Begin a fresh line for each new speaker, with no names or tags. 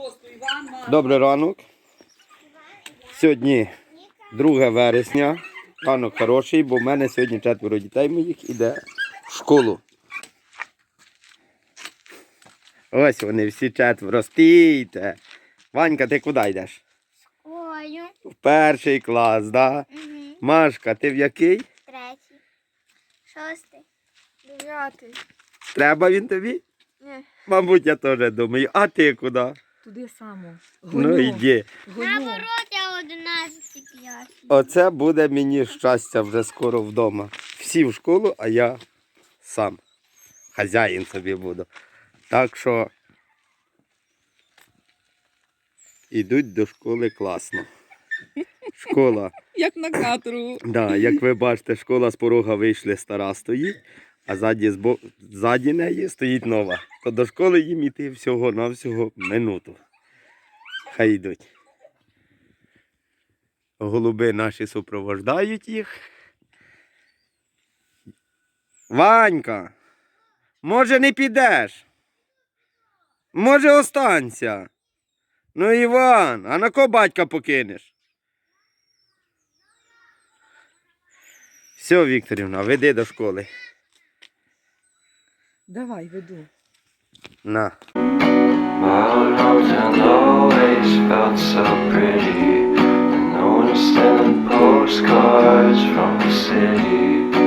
Добрий ранок. Сьогодні 2 вересня. Ранок хороший, бо в мене сьогодні 4 дітей моїх іде в школу. Ось вони всі 4. Стійте. Ванька, ти куди йдеш?
Ой.
В 1 клас, да?
Угу.
Машка, ти в який?
3. 6. 9.
Треба він тобі?
Ні.
Мабуть, я теж думаю. А ти куди?
Туди само.
Ну йди.
Наоборот, я 11 5.
Оце буде мені щастя вже скоро вдома. Всі в школу, а я сам. Хазяїн собі буду. Так що ідуть до школи класно. Школа.
Як на каторгу.
Да, як ви бачите, школа з порога вийшли, стара стоїть, а ззаді неї стоїть нова. То до школи їм іти всього-навсього минуту. Хай йдуть. Голуби наші супровождають їх. Ванька, може не підеш? Може останься? Ну, Іван, а на кого батька покинеш? Все, Вікторівна, веди до школи.
Давай, веду.
На.
My mountain always felt so pretty, and no one's sending postcards from the city.